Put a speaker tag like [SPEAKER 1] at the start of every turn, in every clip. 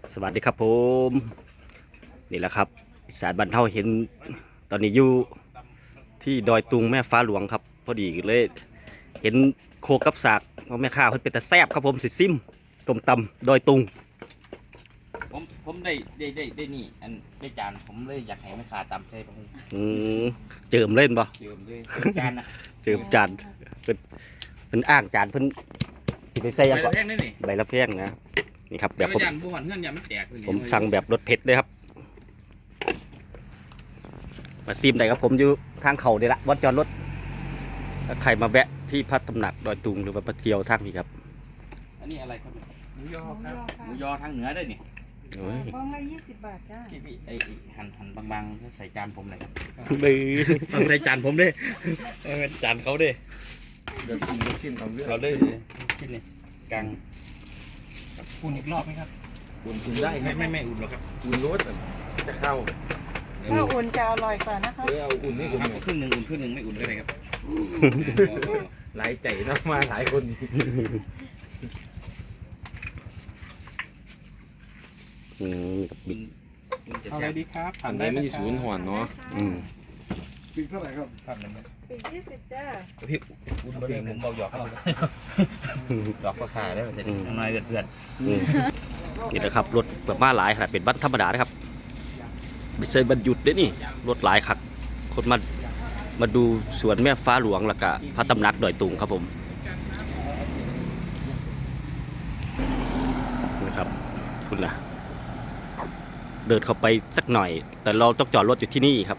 [SPEAKER 1] สวัสดีครับผมนี่แหละครับอีสานบ้านเฮาเห็นตอนนี้อยู่ที่ดอยตุงแม่ฟ้าหลวงครับพอดีเลยเห็นโคกับสากว่าแม่ค้าเพิ่นเป็นตาแซ่บครับผมสิซิมส้มตำดอยตุง
[SPEAKER 2] ผมได้นี่อันได้จานผมเลยอยากให้แม่ค้าตำใช่ปะ
[SPEAKER 1] อืมเจิมเล่นบ่
[SPEAKER 2] เจิมเลยจานนะ
[SPEAKER 1] เจิมจานเพิ่นอ้างจานเพิ่นสิไปใส่หยัง
[SPEAKER 2] ไป
[SPEAKER 1] ก็
[SPEAKER 2] แพงนี่นี่
[SPEAKER 1] ใบละแพงนะนี่ครับแบบผม
[SPEAKER 2] จานบุหันเงื่อนยามันแตกเลย
[SPEAKER 1] ผมสั่งแบบรสเผ็ดเลยครับมาซิมได้ครับผมอยู่ทางเขาเดี๋ยวละวัดจอดรถถ้าใครมาแวะที่พัดตำหนักดอยตุงหรือว่ามาเที่ยวทางนี้ครับ
[SPEAKER 2] อันนี้อะไรครับหมูยอครับห
[SPEAKER 3] ห
[SPEAKER 2] มู
[SPEAKER 3] มู
[SPEAKER 2] ย
[SPEAKER 3] ย
[SPEAKER 2] อ
[SPEAKER 3] อ
[SPEAKER 2] ทางเหนือได้นี่
[SPEAKER 1] โอ้ย
[SPEAKER 3] บ้องละ20 บาทจ้า
[SPEAKER 2] พี่หั่นบางๆใส่จานผมเลยครับ
[SPEAKER 1] บื้อ
[SPEAKER 2] ต้องใส่จานผมด้วยจานเขาด้วย
[SPEAKER 4] เดี๋ยวกินลูกชิ้นเอาเรื่อง
[SPEAKER 2] เราด้วยชิ้นนี้กลางอุ่นอีกรอบไหมครับ
[SPEAKER 4] อุ่นได้ไหม
[SPEAKER 2] ไม่อุ่นหรอกครับ
[SPEAKER 4] อุ่นรสจะเข้า
[SPEAKER 3] ถ้าอุ่นจะอร่อยกว่านะคะ
[SPEAKER 4] เอาอุ่นนี่ผม
[SPEAKER 2] ครับครึ่งหนึ่งอุ่นครึ่งหนึ่งไม่อุ่นก็ได้ครับ
[SPEAKER 4] หลายใจนะมาหลายคน
[SPEAKER 1] กับบิน
[SPEAKER 2] จะ
[SPEAKER 5] เอา
[SPEAKER 2] แซ่
[SPEAKER 5] เลย
[SPEAKER 2] บ
[SPEAKER 5] ดีครับ
[SPEAKER 4] อันนี้ไม่ศูนย์ห่อนเนาะ
[SPEAKER 1] อืม
[SPEAKER 6] ปีเท่าไหร่ครับ
[SPEAKER 2] ครับนั่นนะ
[SPEAKER 3] ปี20จ้า
[SPEAKER 2] พี่อุ่นบริเวณผมเบาหยอกเขาหยอกก็ขายได้มันจะน้อยเดือด
[SPEAKER 1] อืมนี่นะครับรถแบบมาหลายขนาดเป็นบัสธรรมดานะครับไม่ใช่บรรยุดเด้อนี่รถหลายคักคนมาดูสวนแม่ฟ้าหลวงแล้วก็พระตำหนักดอยตุงครับผมนะครับคุณล่ะเดินเข้าไปสักหน่อย แต่เราต้องจอดรถอยู่ที่นี่ครับ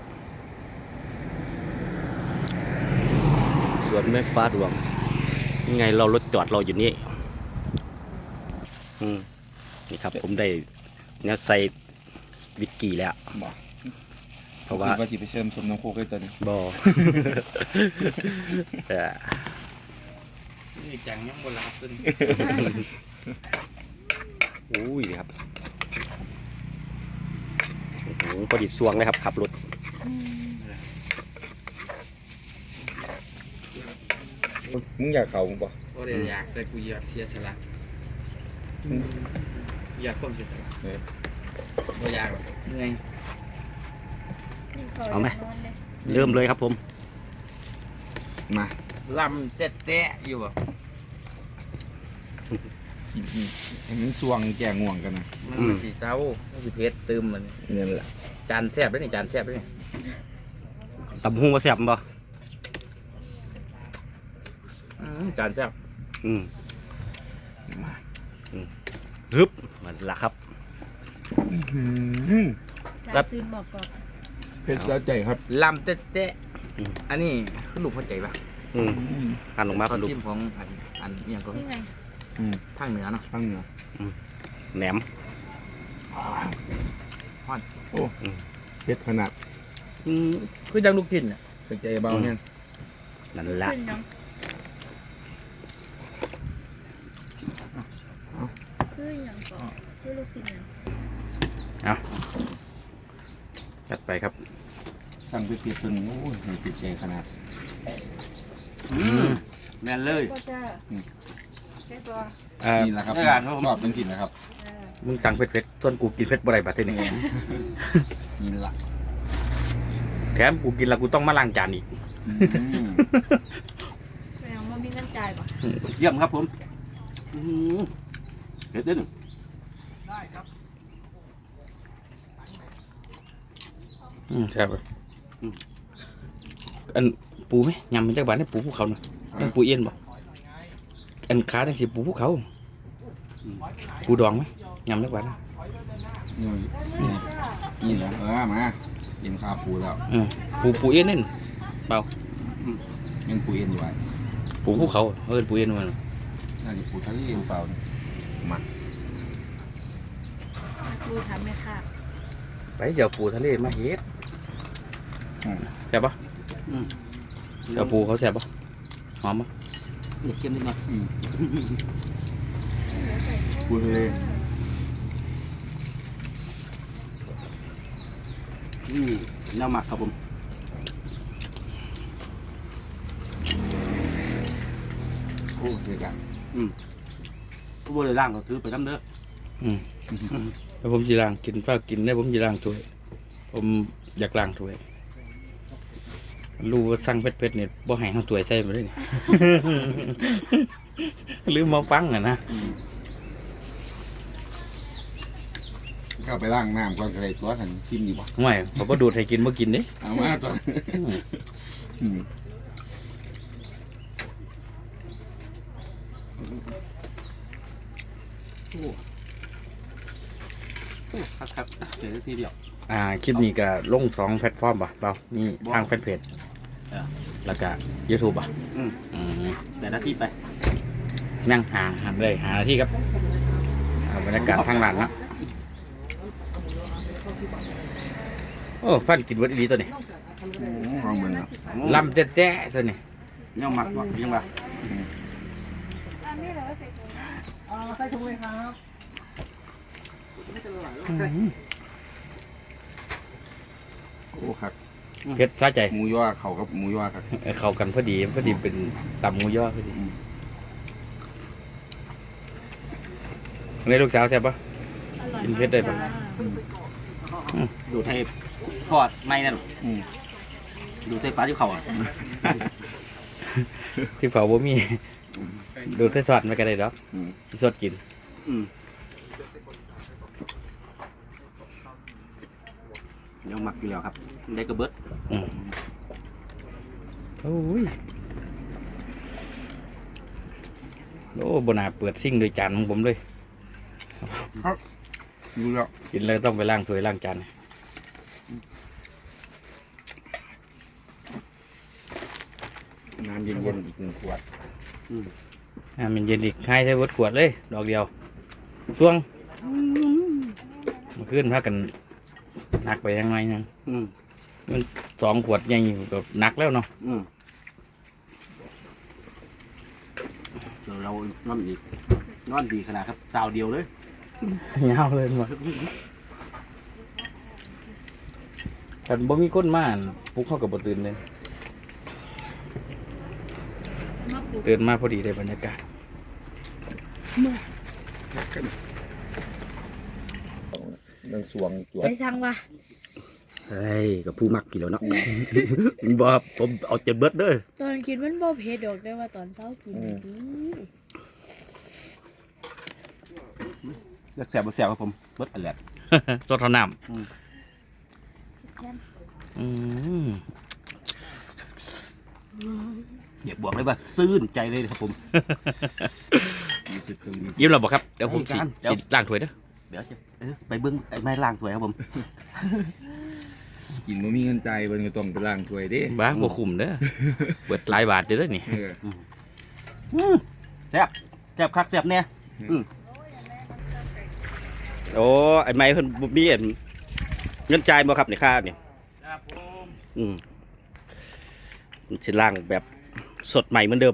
[SPEAKER 1] สวนแม่ฟ้าหลวงยังไงเรารถจอดเราอยู่นี่นี่ครับผมได้เนี่ยใส่วิสกี้แล้วเพราะว่า
[SPEAKER 4] ว่าจีไปเชิญสมน้ำโคกได้ตอนนี้
[SPEAKER 1] บอ
[SPEAKER 2] นี่จังยังโบราณตัวนี้
[SPEAKER 1] อุ้ยครับโอ้โหพอดีสวงเลยครับขับรถ
[SPEAKER 4] มึงอยากเขาป่ะ
[SPEAKER 2] ก็เลยอยากแต่กูอยากเสียสละอยากคนเสียสละไม่อยากหรอกเหนื่อย
[SPEAKER 1] เอาไหมเริ่มเลยครับผม
[SPEAKER 4] มา
[SPEAKER 2] ลำเตะอยู่บ่
[SPEAKER 4] อันนี้สวงแก่ง่วงกันนะ
[SPEAKER 2] มันสีเจ้ามันสีเพชรตึมมัน
[SPEAKER 4] เนี่ยแหละ
[SPEAKER 2] จานแซ่บด้วยนี่จานแซ่บด้วยนี่
[SPEAKER 1] ตำหูมาแซ่บบ่
[SPEAKER 2] จานแซ่บ
[SPEAKER 1] อืมฮึบมันละครับ
[SPEAKER 3] จ่ายซื้อบอกก่อน
[SPEAKER 4] เพชรสะใจครับ
[SPEAKER 2] ลำเตะอันนี้คือลูกพ่อใจปะ
[SPEAKER 1] อืมหั่นลงมา
[SPEAKER 2] เขา
[SPEAKER 1] เป็นลูก
[SPEAKER 2] ชิมของอันอย่างก็
[SPEAKER 3] นี่ไง
[SPEAKER 2] ทางเหนือเนาะ
[SPEAKER 4] ข้างเหนือ
[SPEAKER 1] แหนม
[SPEAKER 4] เพชรขนาด
[SPEAKER 2] คือจังลูกชิ้นอ่ะ
[SPEAKER 4] สะใจเบาเนี่ย
[SPEAKER 1] นั่นละ
[SPEAKER 3] ขึ้นยังคืออย่างก่อนคือลูกศิษย์เนี่ย
[SPEAKER 1] จัดไปครับ
[SPEAKER 4] สั่งไปเปรียบตึงโอ้ยติดใจขนาด
[SPEAKER 2] แม่นเลย
[SPEAKER 3] ก็จะแค่ตัว
[SPEAKER 4] นี่แหละครับชอบเป็นสินนะครับ
[SPEAKER 1] มึงสั่งเผ็ดๆส่วนกูกินเผ็ดบ่ได้บัดทีนี้
[SPEAKER 4] นี่แหละ
[SPEAKER 1] แถมกูกินแล้วกูต้องมาล้างจานอีก
[SPEAKER 3] แสดงว่ามีเงินจ่ายป่ะ
[SPEAKER 1] เยี่ยมครับผมเผ็ดเด้อ
[SPEAKER 2] ใช่ป่ะอันปูไหมยำมันจากบ้านให้ปูภูเขาเนาะยังปูเอี้ยนบ่อันขาทั้งสิปูภูเขาปูดองไหมยำจากบ้าน
[SPEAKER 4] นี่แหละมาเอ็นคาปูแล้ว
[SPEAKER 2] ปูเอี้ยนนี่เปล่า
[SPEAKER 4] ยังปูเอ็นอยู่ไว้
[SPEAKER 2] ปูภูเขาปูเอี้ยนมัน
[SPEAKER 4] น่าจะปูทะเลหรือเปล่ามา
[SPEAKER 3] ดูทำไหมค่ะ
[SPEAKER 2] ไปเดี๋ยวปูทะเลมาเฮ็ดแซ่บปะเดี๋ยวปูเขาแซ่บปะหอมปะ
[SPEAKER 1] เด็กเกมนิดหน่อย
[SPEAKER 4] ปูทะเล
[SPEAKER 1] แนวหมักครับผม
[SPEAKER 4] โอ้เด็กอ่ะ
[SPEAKER 1] ผู้บริล่างก็ถือไปน้ำเด้อ
[SPEAKER 2] แล้วผมจะล้างกินฝ้ากินได้ผมจะล้างถ้วยผมอยากล้างถ้วยรู้ว่าสั่งเผ็ดๆเนี่ยบ่ให้เขาถ้วยใส่มาเลยนี่ หรือมาฟังนะ
[SPEAKER 4] เข้าไปล้างน้ำก่อนก็ได้ตัวทันชิมดีบ่
[SPEAKER 2] ไม่เขาบ่ดูดให้กินบ่กินเด้
[SPEAKER 4] เอามาจ้ะอืม
[SPEAKER 1] ครับเดี๋ยวทีเดียว
[SPEAKER 2] คลิปนี้ก็ลง2แพลตฟอร์มป่ะเปล่ามีทางแฟนเพจแล้วก็ YouTube ป่ะ
[SPEAKER 1] แต่หน้าที่ไป
[SPEAKER 2] นั่งหาเลยหาที่ครับบรรยากาศทางร้านนะโอ้ฟันกินวัดดีตัวนี้
[SPEAKER 4] ลองมันเนาะ
[SPEAKER 2] ลำแต๊ะๆตัวนี้
[SPEAKER 1] ย่องหมักวะยังวะ
[SPEAKER 5] ใส่ถุงเลยครับ
[SPEAKER 4] โอ้ครับ
[SPEAKER 2] เผ็ดสะใจ
[SPEAKER 4] หมูย่อเขากับหมูย่อครับ
[SPEAKER 2] เข้ากันพอดีเป็นตำหมูย่อพอดีในลูกสาวแซ่บปะ กินเผ็ดได้ปะ
[SPEAKER 1] ดูดให้ทอดไม่นั่นดูดให้ฟ้าที่เขาอ่ะ
[SPEAKER 2] ที่เผาบ่มีดูดใส่ซอสไม่ก็ได้ดอกสดกิน
[SPEAKER 1] ย่องหมักอยู่แล้วครับได้กระเบิด
[SPEAKER 2] โอ้ยโอ้บนาเปิดซิ่งโดยจานของผมเลย
[SPEAKER 4] ดูแล้ว
[SPEAKER 2] กินเลยต้องไปล้างถ้วยล้างจาน
[SPEAKER 4] น้ำเย็นๆอีก1 ขวด
[SPEAKER 2] มันเย็นอีกให้ใช้วัดขวดเลยดอกเดียวช่วงมาขึ้นพากันหนักไปยังไงนึงมัน2 ขวดใหญ่ก็หนักแล้วเนาะ
[SPEAKER 1] เดี๋ยวเรานอนอีกนอนดีขนาดครับสาวเดียวเลย
[SPEAKER 2] ยาวเลยหมดแต่บ่มีก้นม่านปลุกเข้ากับบ่ตื่นเลย ตื่นมาพอดีได้บรรยากาศ
[SPEAKER 4] นังสวงจวด
[SPEAKER 3] ไปสั่งว่ะ
[SPEAKER 1] เฮ้ยกับผู้มักกี่แล้วเนาะ บ่ผมเอาเจ็ดเบิดเด้อ
[SPEAKER 3] ตอนกินมันบ่เผ็ดดอกได้ว่าตอนเช้ากินดี
[SPEAKER 1] อยากแสบบ่แสบครับผมเบิดอันแหละ
[SPEAKER 2] สดเท่าน้ำ
[SPEAKER 1] อยากบอกเลยว่าซื่นใจเลยครับผม
[SPEAKER 2] ยิ้มเราบอกครับเดี๋ยวผมสิ
[SPEAKER 1] เดี๋ยว
[SPEAKER 2] ล้างถ้วยเด้อ
[SPEAKER 1] เดี๋ยวจะไปเบิ้งไอ้ไม้ล่างถวยครับผม
[SPEAKER 4] กินบ่มีเงินใจายเบิ่นก็ต้องไปล้างถ้วยเด้
[SPEAKER 2] บ้าบ่คุ้มเด้อเปิดหลายบาทเด้อนี่
[SPEAKER 1] แซ่บแซ่บคักแซ่บเนี่ยโอ้ไอ้ไม้เพิ่นบ่มีอันเงินจ่ายบ่ครับในค่าเนี่ยมันสิล่างแบบสดใหม่เหมือนเดิม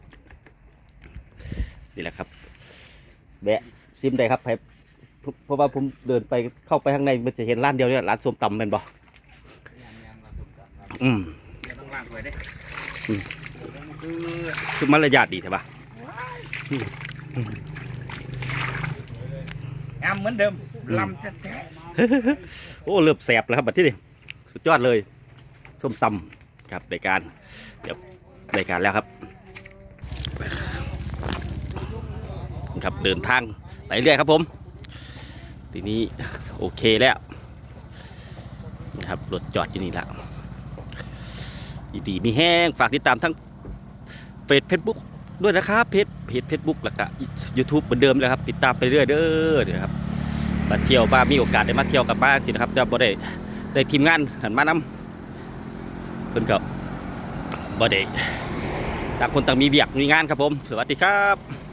[SPEAKER 1] นี่แหละครับแบะซิมได้ครับเพราะว่าผมเดินไปเข้าไปข้างในมันจะเห็นร้านเดียวเนี่ยร้านส้มตำเป็นบ่คือมารยาทดีใช่ปะ
[SPEAKER 2] งามเหมือนเดิมลำแท้
[SPEAKER 1] โอ้เริ่มแสบแล้วครับบัดที่นี่สุดยอดเลยส้มตำครับรายการเดี๋ยวรายการแล้วครับครับเดินทางไปเรื่อยครับผมทีนี้โอเคแล้วนะครับรถจอดอยู่นี่แล้วดีมีแห้งฝากติดตามทั้งเฟซบุ๊กด้วยนะครับเพจเฟซบุ๊กแล้วก็ยูทูบเหมือนเดิมเลยครับติดตามไปเรื่อยเด้อเดี๋ยวครับมาเที่ยวบ้างมีโอกาสได้มาเที่ยวกับบ้างสินะครับจะบ่ได้ทีมงานหันมานำเพิ่นก็บ่ได้ต่างคนต่างมีเวียกมีงานครับผมสวัสดีครับ